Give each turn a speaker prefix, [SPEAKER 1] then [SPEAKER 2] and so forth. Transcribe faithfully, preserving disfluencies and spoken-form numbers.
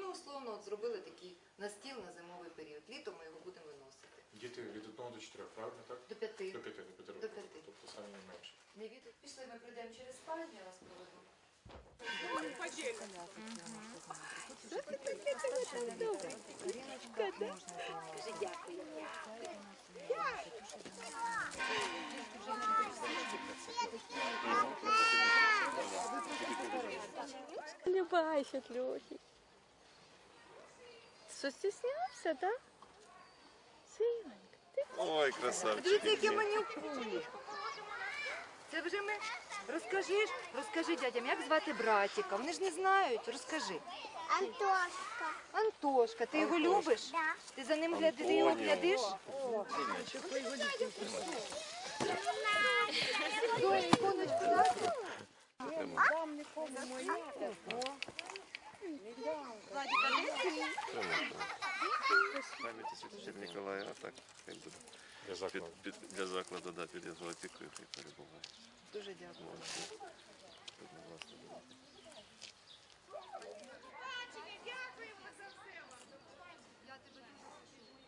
[SPEAKER 1] ми условно от зробили такий настіл на зимовий період. Літом ми його будемо виносити.
[SPEAKER 2] Діти від одного до чотирьох, правильно, так?
[SPEAKER 1] До п'яти.
[SPEAKER 2] До п'яти, до п'яти
[SPEAKER 1] До
[SPEAKER 2] років.
[SPEAKER 1] п'яти.
[SPEAKER 2] Тобто самі не менше.
[SPEAKER 1] Не від... Пішли, ми прийдемо через спальню, я вас проведу.
[SPEAKER 3] Любайся, Льохи. Що, стіснявся, так? Синонька, ти
[SPEAKER 4] Ой, красавчик.
[SPEAKER 1] Дивіться, які манюкує. Це вже ми... Розкажи, ж- розкажи дядям, як звати братіка. Вони ж не знають, розкажи.
[SPEAKER 5] Антошка.
[SPEAKER 1] Антошка, ти його любиш?
[SPEAKER 5] Да.
[SPEAKER 1] Ти за ним глядиш, ти його глядиш? Доня, іконочку дати?
[SPEAKER 4] Пам'яті Святителя Ніколая, а так хай буде.
[SPEAKER 2] Для
[SPEAKER 4] Під,
[SPEAKER 2] закладу.
[SPEAKER 4] під, для закладу, да, під його опікою, хай перебуває.
[SPEAKER 1] Дуже дякую.
[SPEAKER 4] Молодці. Будь ласка.